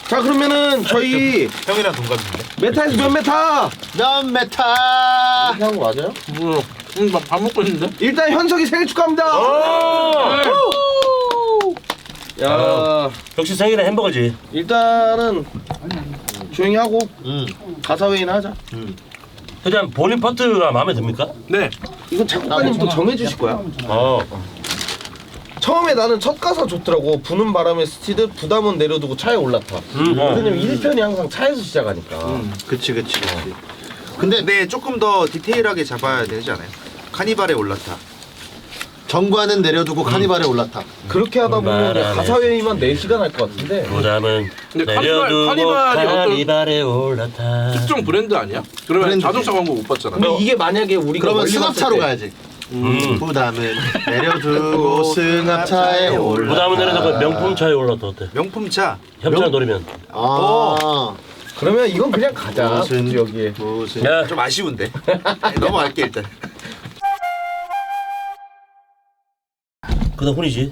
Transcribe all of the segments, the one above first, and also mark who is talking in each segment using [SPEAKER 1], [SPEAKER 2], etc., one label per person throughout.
[SPEAKER 1] 자 그러면은 저희
[SPEAKER 2] 형이랑 동갑인데.
[SPEAKER 1] 메타에서 몇 메타?
[SPEAKER 2] 몇 메타?
[SPEAKER 1] 이렇게 한거 맞아요?
[SPEAKER 3] 밥 먹고 있는데?
[SPEAKER 1] 일단 현석이 생일 축하합니다. 야
[SPEAKER 4] 역시 생일은 햄버거지.
[SPEAKER 1] 일단은 조용히 하고 가사 회의나 하자.
[SPEAKER 4] 일단 본인 파트가 마음에 듭니까?
[SPEAKER 3] 네.
[SPEAKER 1] 이건 작곡가님도 정해주실 거야. 처음에 나는 첫 가사 좋더라고. 부는 바람에 스치듯 부담은 내려두고 차에 올라타. 왜냐면 1편이 항상 차에서 시작하니까.
[SPEAKER 2] 그치. 근데 조금 더 디테일하게 잡아야 되지 않아요? 카니발에 올라타. 정관은 내려두고 카니발에 올라타.
[SPEAKER 1] 그렇게 하다 보면 가사 회의만 4시간 할 것 같은데.
[SPEAKER 4] 부담은
[SPEAKER 3] 근데
[SPEAKER 4] 내려두고
[SPEAKER 3] 카니발이 어떤
[SPEAKER 4] 카니발에 올라타.
[SPEAKER 3] 특정 브랜드 아니야? 그러면
[SPEAKER 2] 브랜드지.
[SPEAKER 3] 자동차 광고 못 봤잖아.
[SPEAKER 1] 근데 이게 만약에 우리가
[SPEAKER 2] 그러면
[SPEAKER 1] 멀리
[SPEAKER 2] 승합차로
[SPEAKER 1] 봤을 때
[SPEAKER 2] 가야지. 부담은 내려두고 승합차에 올라타.
[SPEAKER 4] 부담은 내려두고 명품차에 올라타 어때?
[SPEAKER 2] 명품차.
[SPEAKER 4] 협찬 노리면.
[SPEAKER 1] 그러면 이건 그냥 가자.
[SPEAKER 2] 무슨
[SPEAKER 1] 굳이 여기에.
[SPEAKER 2] 무슨
[SPEAKER 4] 야.
[SPEAKER 2] 좀 아쉬운데. 넘어갈게 일단.
[SPEAKER 4] 그다음 혼이지.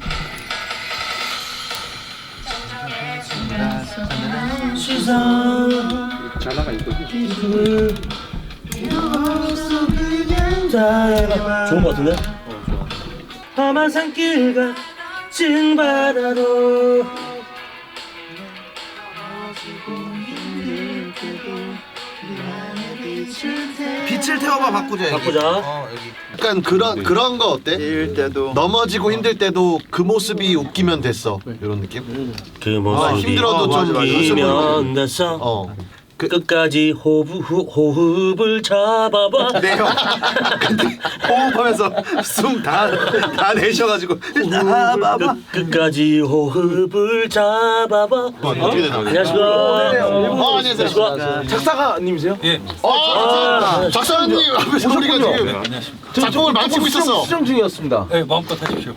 [SPEAKER 3] 자나가 이거.
[SPEAKER 4] 좋은 거 같은데? 험한 산길 같은 바다로
[SPEAKER 2] 빛을 태워봐 바꾸자.
[SPEAKER 4] 바꾸자.
[SPEAKER 2] 약간 그런 거 어때? 넘어지고 힘들 때도 그 모습이 웃기면 됐어. 이런 느낌?
[SPEAKER 4] 그 모습이
[SPEAKER 2] 힘들어도 좀
[SPEAKER 4] 웃기면 됐어. 끝까지 호흡을 잡아봐.
[SPEAKER 2] 네 형. 근데 호흡하면서 숨 다 내셔가지고
[SPEAKER 4] 끝까지 호흡을 잡아봐.
[SPEAKER 2] 어떻게 되나?
[SPEAKER 4] 안녕하십니까.
[SPEAKER 2] 안녕하세요.
[SPEAKER 1] 작사가님이세요?
[SPEAKER 5] 예.
[SPEAKER 2] 작사님 앞에서 우리가 지금 작품을 망치고 있었어.
[SPEAKER 1] 수정 중이었습니다.
[SPEAKER 5] 네, 마음껏 하십시오.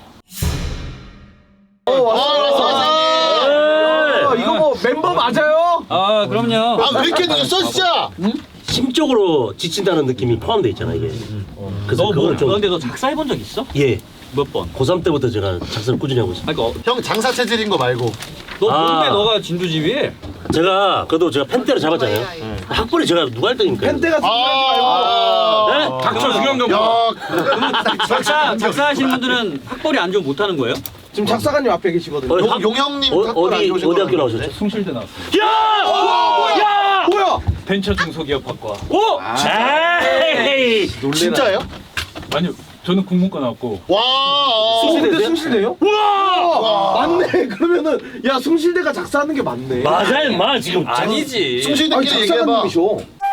[SPEAKER 1] 이거 뭐 멤버 맞아요?
[SPEAKER 5] 아, 그럼요.
[SPEAKER 2] 왜 이렇게 늦었어 진짜?
[SPEAKER 4] 심적으로 지친다는 느낌이 포함되어 있잖아 이게. 그래서 그걸 좀
[SPEAKER 5] 근데 너 작사해본 적 있어?
[SPEAKER 4] 예.
[SPEAKER 5] 몇 번?
[SPEAKER 4] 고3 때부터 제가 작사를 꾸준히 하고 있어요.
[SPEAKER 5] 아니, 그러니까
[SPEAKER 2] 형 장사 체질인 거 말고.
[SPEAKER 5] 너 뭔데 너가 진두지휘해?
[SPEAKER 4] 제가 그래도 제가 펜대를 잡았잖아요. 학벌이 제가 누가 1등입니까?
[SPEAKER 1] 팬때가
[SPEAKER 4] 네?
[SPEAKER 5] 닥쳐 수경경.
[SPEAKER 2] 야,
[SPEAKER 5] 작사하시는 분들은 학벌이 안 좋으면 못하는 거예요?
[SPEAKER 1] 지금 작사가님 앞에 계시거든요.
[SPEAKER 2] 용형님 탁구를 안 좋으신
[SPEAKER 4] 어디 학교
[SPEAKER 2] 거
[SPEAKER 4] 나오셨죠?
[SPEAKER 5] 숭실대 나왔어.
[SPEAKER 4] 야!
[SPEAKER 1] 뭐야?
[SPEAKER 5] 벤처 중소기업학과.
[SPEAKER 4] 오! 에이!
[SPEAKER 2] 진짜예요?
[SPEAKER 5] 아니요, 저는 국문과 나왔고.
[SPEAKER 2] 와.
[SPEAKER 1] 숭실대 숭실대요? 와! 맞네. 그러면은 야 숭실대가 작사하는 게 맞네.
[SPEAKER 4] 맞아 임마 지금
[SPEAKER 5] 아니지.
[SPEAKER 2] 숭실대끼리 얘기해봐.
[SPEAKER 1] 작사가님이셔.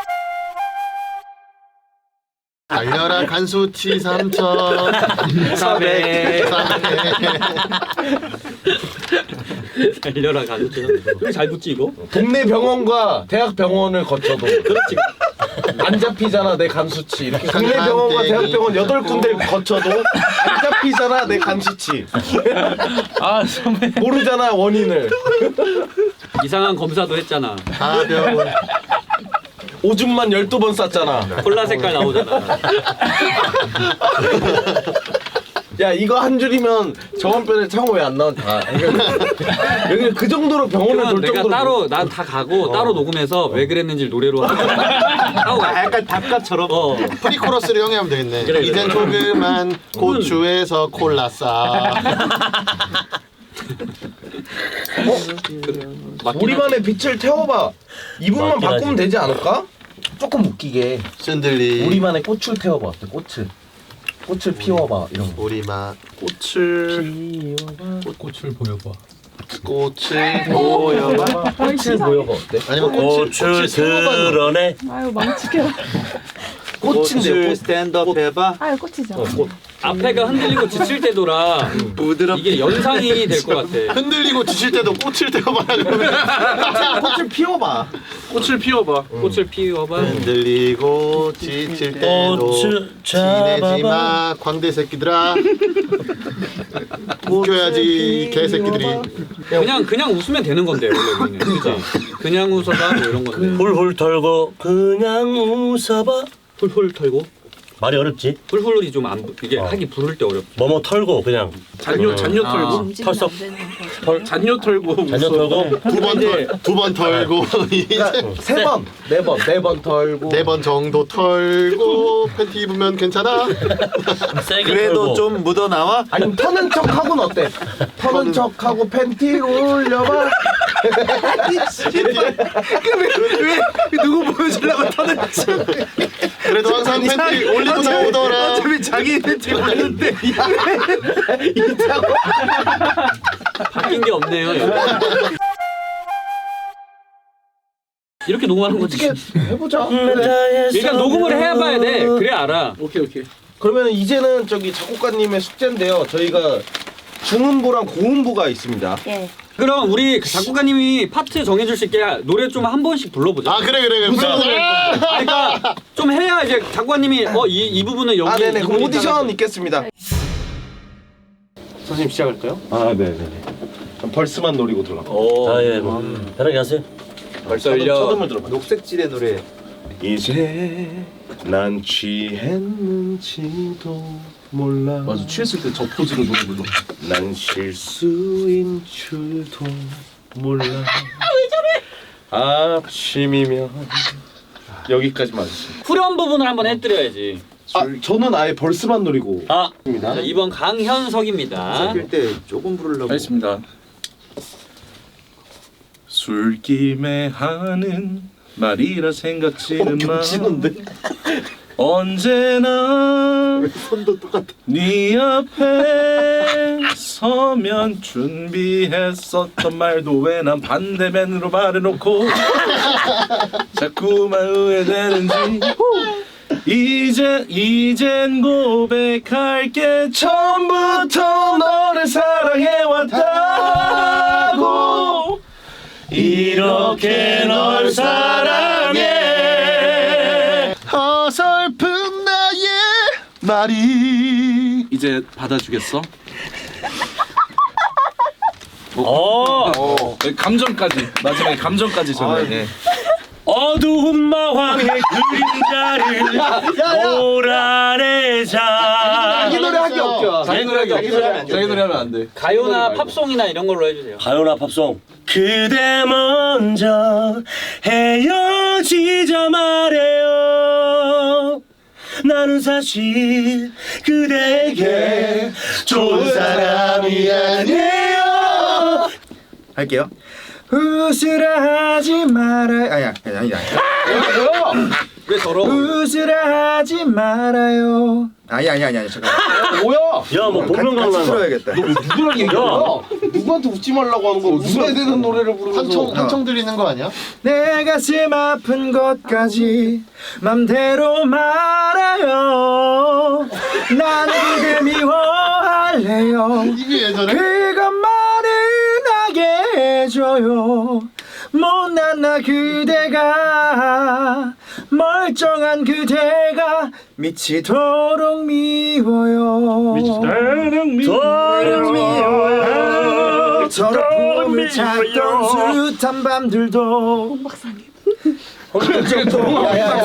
[SPEAKER 2] 달려라 간수치 3천
[SPEAKER 5] 400. 달려라 가족들. 왜 잘 붙지 이거?
[SPEAKER 1] 동네 병원과 대학 병원을 거쳐도 그렇지. 안 잡히잖아 내 간수치. 이렇게 동네 병원과 대학 병원 8군데를 거쳐도 안 잡히잖아 내 간수치.
[SPEAKER 5] 아, 선배.
[SPEAKER 1] 모르잖아 원인을.
[SPEAKER 5] 이상한 검사도 했잖아.
[SPEAKER 2] 하병원
[SPEAKER 1] 오줌만 12번 쌌잖아.
[SPEAKER 5] 콜라 색깔 나오잖아.
[SPEAKER 1] 야 이거 한 줄이면 저번 편에 창호 왜 안 나왔다. 여기 그 정도로 병원을
[SPEAKER 5] 그건
[SPEAKER 1] 돌
[SPEAKER 5] 내가
[SPEAKER 1] 정도로
[SPEAKER 5] 따로 난 다 가고 따로 녹음해서 왜 그랬는지 노래로 하고 가.
[SPEAKER 2] 약간 답가처럼 프리코러스를 형이 하면 되겠네.
[SPEAKER 5] 그래.
[SPEAKER 2] 이젠 조그만 고추에서 콜라 싸.
[SPEAKER 1] 우리만의 빛을 태워봐. 이분만
[SPEAKER 4] 맞긴
[SPEAKER 1] 바꾸면
[SPEAKER 4] 하지.
[SPEAKER 1] 되지 않을까? 조금 웃기게
[SPEAKER 2] 샌들리
[SPEAKER 1] 우리만의 꽃을 태워봐. 어때? 꽃을 피워봐 이런 거.
[SPEAKER 2] 우리만
[SPEAKER 5] 꽃을 꽃을 보여봐.
[SPEAKER 2] 꽃을 보여봐.
[SPEAKER 1] 꽃을 보여봐 어때?
[SPEAKER 2] 아니면
[SPEAKER 4] 꽃을 드러내.
[SPEAKER 6] 아유 망치게라.
[SPEAKER 1] 꽃인데요. 꽃.
[SPEAKER 2] 스탠드업 해봐.
[SPEAKER 6] 아유 꽃이죠.
[SPEAKER 1] 꽃.
[SPEAKER 5] 앞에가 흔들리고 지칠 때도라 이게 연상이 될 것 같아.
[SPEAKER 2] 흔들리고 지칠 때도 꽃을 태워봐라 그러면
[SPEAKER 1] 꽃을 피워봐.
[SPEAKER 5] 꽃을 피워봐. 꽃을 피워봐.
[SPEAKER 2] 흔들리고 지칠 때도
[SPEAKER 4] 꽃을
[SPEAKER 2] 지내지
[SPEAKER 4] 잡아봐.
[SPEAKER 2] 마 광대 새끼들아. 웃겨야지 개새끼들이.
[SPEAKER 5] 그냥 웃으면 되는 건데 원래 우리는. 그러니까 그냥 웃어봐 뭐 이런 건데.
[SPEAKER 4] 훌훌 털고 그냥 웃어봐.
[SPEAKER 5] 훌훌 털고
[SPEAKER 4] 말이 어렵지.
[SPEAKER 5] 훌훌이 좀 안 이게 하기 부를 때 어렵죠.
[SPEAKER 4] 뭐뭐 털고 그냥
[SPEAKER 3] 잔뇨 털고
[SPEAKER 4] 털썩
[SPEAKER 3] 잔뇨 털고
[SPEAKER 4] 잔여 털고
[SPEAKER 2] 두 번 털고
[SPEAKER 1] 그러니까 3번, 4번 털고
[SPEAKER 2] 4번 정도 털고 팬티 입으면 괜찮아?
[SPEAKER 4] 세게
[SPEAKER 2] 그래도
[SPEAKER 4] 털고.
[SPEAKER 2] 좀 묻어 나와?
[SPEAKER 1] 아니면 터는 척하고는 어때? 터는 척하고 팬티를 올려봐.
[SPEAKER 2] 왜 누구 보여주려고 터는 척? 그래도 항상 팬티 올리고 나오더라. 어차피 자기 팬티 올리는데
[SPEAKER 5] 바뀐 게 없네요. 이렇게 녹음하는 거지.
[SPEAKER 1] 어떻게 해보자.
[SPEAKER 5] 일단 녹음을 해봐야 돼. 그래 알아.
[SPEAKER 3] 오케이.
[SPEAKER 1] 그러면 이제는 저기 작곡가님의 숙제인데요. 저희가 중음부랑 고음부가 있습니다.
[SPEAKER 6] 예.
[SPEAKER 5] 그럼 우리 그 작곡가님이 파트 정해줄 수 있게 노래 좀 한 번씩 불러보자.
[SPEAKER 2] 아 그래.
[SPEAKER 5] 그러니까 좀 해야 이제 작곡가님이 이 부분은 여기.
[SPEAKER 1] 아, 네네.
[SPEAKER 5] 이
[SPEAKER 1] 그럼
[SPEAKER 5] 부분이
[SPEAKER 1] 오디션
[SPEAKER 5] 있다는
[SPEAKER 1] 있겠습니다.
[SPEAKER 4] 선생님 시작할까요?
[SPEAKER 1] 아, 네네네. 벌스만 노리고 들어가.
[SPEAKER 4] 아예 뭐 편하게 하세요.
[SPEAKER 1] 첫음을 들어봐.
[SPEAKER 2] 녹색질의 노래.
[SPEAKER 1] 이제 난 취했는지도 몰라.
[SPEAKER 3] 맞아 취했을 때 저 포즈로 노래 불러.
[SPEAKER 1] 난 실수인 줄도 몰라. 왜 저래? 아침이면 여기까지만 하겠습니다.
[SPEAKER 5] 후렴 부분을 한번 해드려야지.
[SPEAKER 1] 아, 저는 아예 벌스만 노리고.
[SPEAKER 5] 아,
[SPEAKER 1] 입니다.
[SPEAKER 5] 자, 2번 강현석입니다.
[SPEAKER 2] 때 조금 부르려고.
[SPEAKER 3] 알겠습니다. 술김에 하는 말이라 생각지는 마. 언제나 네 앞에 서면 준비했었던 말도 왜 난 반대면으로 말해놓고 자꾸만 후회되는지 이젠 고백할게.
[SPEAKER 1] 처음부터 너를 사랑해왔다고
[SPEAKER 4] 이렇게 널 사랑해.
[SPEAKER 2] 어설픈 나의 말이
[SPEAKER 3] 이제 받아주겠어? 감정까지 마지막에 감정까지 전해.
[SPEAKER 4] 어두운 마왕의 그림자를 몰아내자.
[SPEAKER 1] 자기 노래 하기 없죠.
[SPEAKER 3] 자기 노래 하면 안 돼.
[SPEAKER 5] 가요나 팝송이나 이런 걸로 해주세요.
[SPEAKER 4] 가요나 팝송. 그대 먼저 헤어지자 말해요. 나는 사실 그대에게 좋은 사람이 아니에요.
[SPEAKER 2] 할게요. 웃으라 하지 말아요. 아니야.
[SPEAKER 5] 왜 더러워?
[SPEAKER 2] 웃으라 하지 말아요. 아니야. 잠깐.
[SPEAKER 1] 뭐야?
[SPEAKER 4] 야뭐 복면
[SPEAKER 2] 같이
[SPEAKER 4] 가능한
[SPEAKER 2] 들어야겠다.
[SPEAKER 1] 누구랑 얘기야? 누구한테 웃지 말라고 하는 거? 웃어야 되는 노래를 부르면서
[SPEAKER 2] 한청 들리는 거 아니야? 내 가슴 아픈 것까지 맘대로 말아요. 난 그대 미워할래요.
[SPEAKER 1] 이게 예전에?
[SPEAKER 2] 그것만은 하게 해줘요. 못난 나 그대가 멀쩡한 그대가 미치도록 미워요.
[SPEAKER 4] 도록 미워요.
[SPEAKER 2] 저런 꿈을 찾던 숱한 밤들도 박사님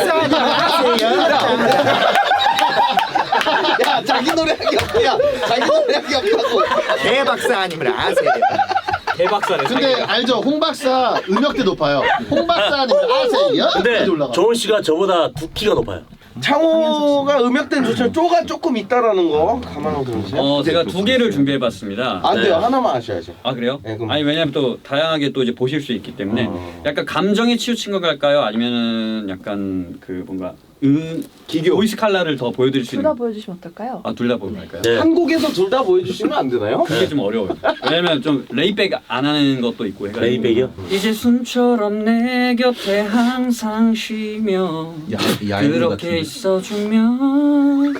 [SPEAKER 1] 야, 자기 노래 하기 없야. 자기 노래 하기 없다고.
[SPEAKER 2] 개 박사님을 아세요?
[SPEAKER 5] 대박사네.
[SPEAKER 7] 근데 알죠? 홍 박사 음역대 높아요. 홍 박사님 아세요?
[SPEAKER 4] 근데
[SPEAKER 7] 여기까지 올라가.
[SPEAKER 4] 조은 씨가 저보다 2키가 높아요.
[SPEAKER 1] 창호가 음역대는 좋지만 쪼가 조금 있다라는 거 감안하고 들으세요.
[SPEAKER 5] 제가 2개를 준비해봤습니다.
[SPEAKER 1] 안 돼요. 하나만 하셔야죠.
[SPEAKER 5] 아 그래요?
[SPEAKER 1] 네, 그럼.
[SPEAKER 5] 아니 왜냐면 또 다양하게 또 이제 보실 수 있기 때문에 약간 감정에 치우친 거 갈까요? 아니면은 약간 그 뭔가 기교 보이스 칼라를 더 보여드릴 수
[SPEAKER 6] 둘 다
[SPEAKER 5] 있는.
[SPEAKER 6] 보여주시면 어떨까요?
[SPEAKER 5] 아 둘 다 보면 갈까요?
[SPEAKER 4] 네.
[SPEAKER 1] 한 곡에서 둘 다 보여주시면 안 되나요?
[SPEAKER 5] 그게 좀 어려워요. 왜냐면 좀 레이백 안 하는 것도 있고 해가지고.
[SPEAKER 4] 레이백이요?
[SPEAKER 5] 이제 숨처럼 내 곁에 항상 쉬며 그렇게 있어주면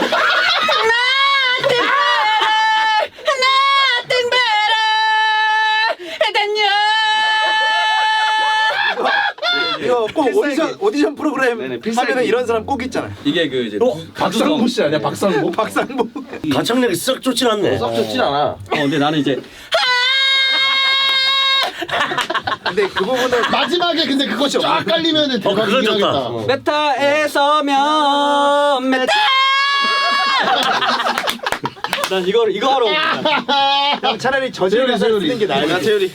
[SPEAKER 2] 이거 꼭 오디션 프로그램
[SPEAKER 5] 네네, 필살기.
[SPEAKER 2] 하면은 이런 사람 꼭 있잖아요.
[SPEAKER 5] 이게 그 이제
[SPEAKER 1] 박상무 씨 아니야? 박상무?
[SPEAKER 2] 박상보.
[SPEAKER 4] 가창력이 썩 좋진 않네.
[SPEAKER 1] 썩 좋진 않아.
[SPEAKER 5] 근데 나는 이제
[SPEAKER 2] 근데 그 부분은
[SPEAKER 7] 마지막에 근데 그거 쫙 깔리면은
[SPEAKER 4] 그건
[SPEAKER 7] 대박이긴
[SPEAKER 4] 좋다.
[SPEAKER 7] 하겠다.
[SPEAKER 5] 메타에 서면 메타. 난 이거 하러 온 거야.
[SPEAKER 2] 형 차라리 저질 가사를 쓰는 게 나아요. 재율이.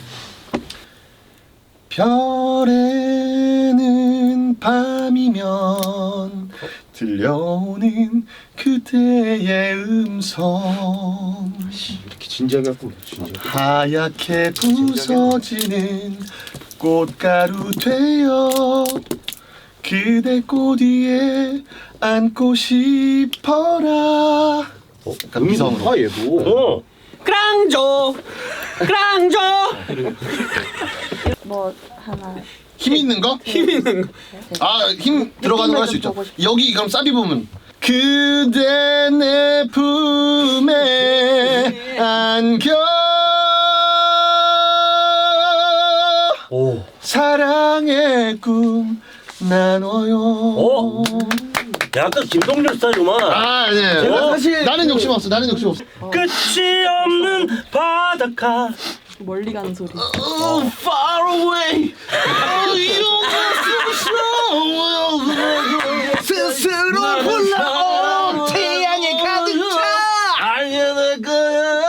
[SPEAKER 7] 별에는 밤이면 들려오는 그대의 음성
[SPEAKER 1] 이렇게 진지하게 할 거면 진짜.
[SPEAKER 7] 하얗게 부서지는 꽃가루 되어 그대 꽃 위에 안고 싶어라. 약간 미성으로.
[SPEAKER 1] 아 얘도.
[SPEAKER 5] 크랑조.
[SPEAKER 6] 뭐 하나
[SPEAKER 7] 힘 있는 거?
[SPEAKER 5] 힘 있는 거.
[SPEAKER 7] 아, 힘 들어가는 거 할 수 있죠.
[SPEAKER 6] 보고 싶어.
[SPEAKER 7] 여기 그럼 사비 부분. 그대 내 품에 안겨 사랑의 꿈 나눠요.
[SPEAKER 4] 약간 김동률 스타일이구만.
[SPEAKER 7] 아, 네.
[SPEAKER 1] 제가 사실
[SPEAKER 7] 나는 욕심 없어. 나는 욕심 없어.
[SPEAKER 4] 끝이 없는 바닷가.
[SPEAKER 6] 멀리 가는 소리.
[SPEAKER 7] Far away. 스스로 불러 태양에 가득 차.
[SPEAKER 4] 알려낼 거야.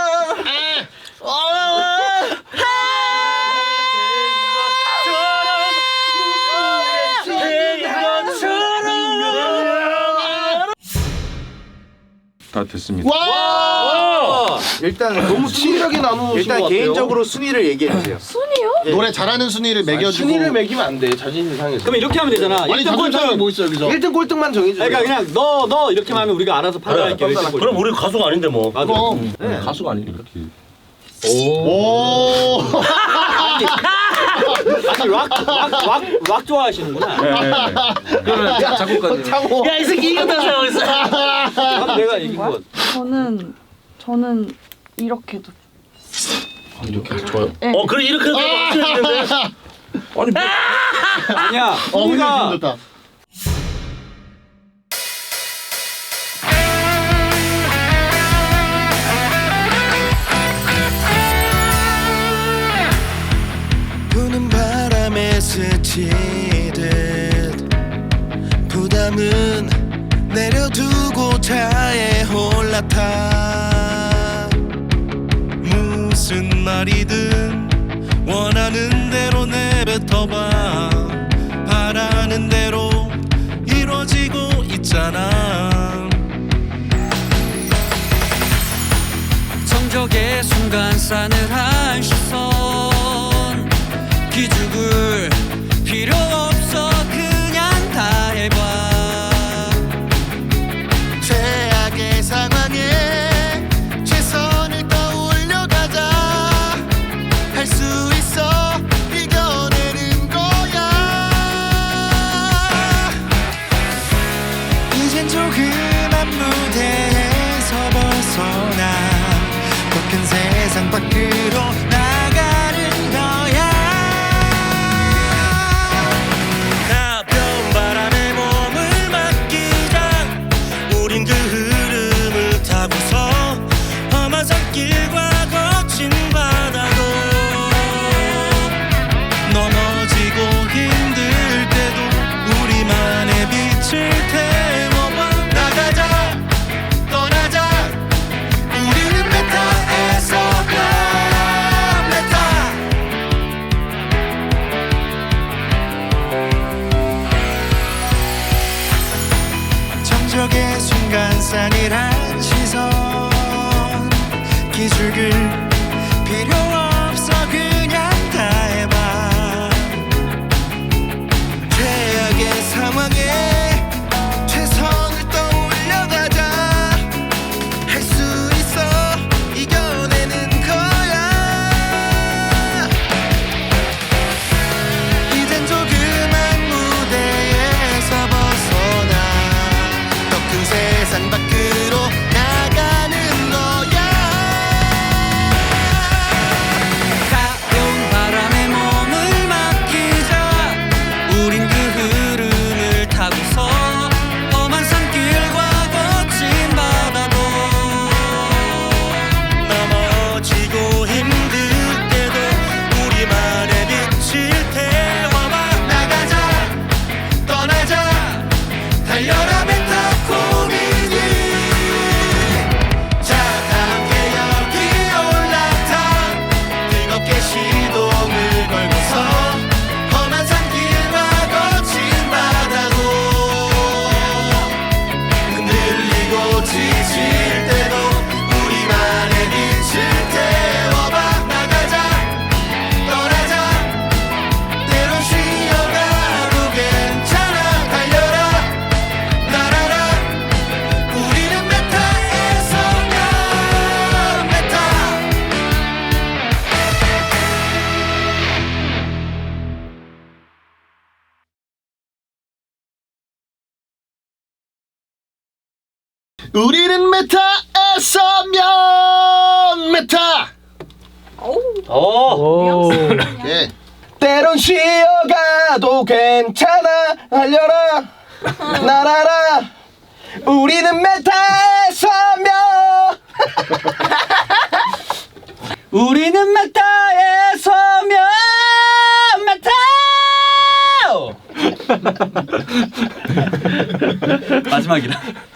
[SPEAKER 3] 다 됐습니다.
[SPEAKER 7] 와!
[SPEAKER 2] 일단
[SPEAKER 1] 너무 치밀하게 나누신 것
[SPEAKER 2] 일단
[SPEAKER 1] 같아요.
[SPEAKER 2] 개인적으로 순위를 얘기해 주세요.
[SPEAKER 6] 순이요?
[SPEAKER 7] 노래 잘하는 순위를 매겨주고.
[SPEAKER 1] 순위를 매기면 안 돼. 자신이 상해서.
[SPEAKER 5] 그럼 이렇게 하면 되잖아.
[SPEAKER 7] 아니
[SPEAKER 5] 1등
[SPEAKER 7] 자존심이
[SPEAKER 5] 꼴등.
[SPEAKER 7] 뭐 있어 여기서?
[SPEAKER 1] 1등 꼴등만 정해주세요.
[SPEAKER 5] 그러니까 그냥 너 이렇게 하면 우리가 알아서 판단할게요. 일등 꼴등.
[SPEAKER 4] 그럼 우리 가수가 아닌데 뭐.
[SPEAKER 5] 맞아.
[SPEAKER 7] 그럼.
[SPEAKER 3] 가수가 아니니까.
[SPEAKER 7] 오.
[SPEAKER 5] 아니 락 좋아하시는구나.
[SPEAKER 3] 그러면 작곡가님.
[SPEAKER 1] 창호.
[SPEAKER 4] 야 이 새끼 이겼다 생각했어.
[SPEAKER 5] 그럼 내가 이긴 거.
[SPEAKER 6] 저는 이렇게도.
[SPEAKER 1] 이렇게 좋아요.
[SPEAKER 6] 네.
[SPEAKER 4] 그래 이렇게 해도 확실했는데.
[SPEAKER 5] 아니야.
[SPEAKER 7] 근데
[SPEAKER 5] 우리가
[SPEAKER 7] 기분 좋다.
[SPEAKER 8] 부는 바람에 스치듯 부담은 내려두고 차에 올라타 무슨 말이든 원하는 대로 내뱉어봐 바라는 대로 이루어지고 있잖아 정적의 순간 싸늘한 시선 기죽을 필요 없어 그냥 다 해봐
[SPEAKER 7] 최악의 상황에 최선을 떠올려가자 할 수 있어 이겨내는 거야
[SPEAKER 8] 이젠 조그만 무대에서 벗어나 더 큰 세상 밖으로 나가는 거야 가벼운 바람에 몸을 맡기자 우린 그 흐름을 타고서 험한 산길과 거친 바다도 넘어지고 힘들 때도 우리만의 빛을 태워봐 나가자 떠나자 우리는 메타에서 메타 정적의 순간 싸늘한 시선 기죽을 필요 없어 그냥 다 해봐 최악의 상황에 최선을 떠올려가자 할 수 있어 이겨내는 거야 이젠 조그만 무대에서 벗어나 더 큰 세상 밖으로 나가는 거야
[SPEAKER 7] 우리는 메타에서 면 메타. 오케이.
[SPEAKER 1] 때론 쉬어가도 괜찮아 알려라 날아라 우리는 메타에서 면
[SPEAKER 5] 우리는 메타에서 메타. 마지막이다.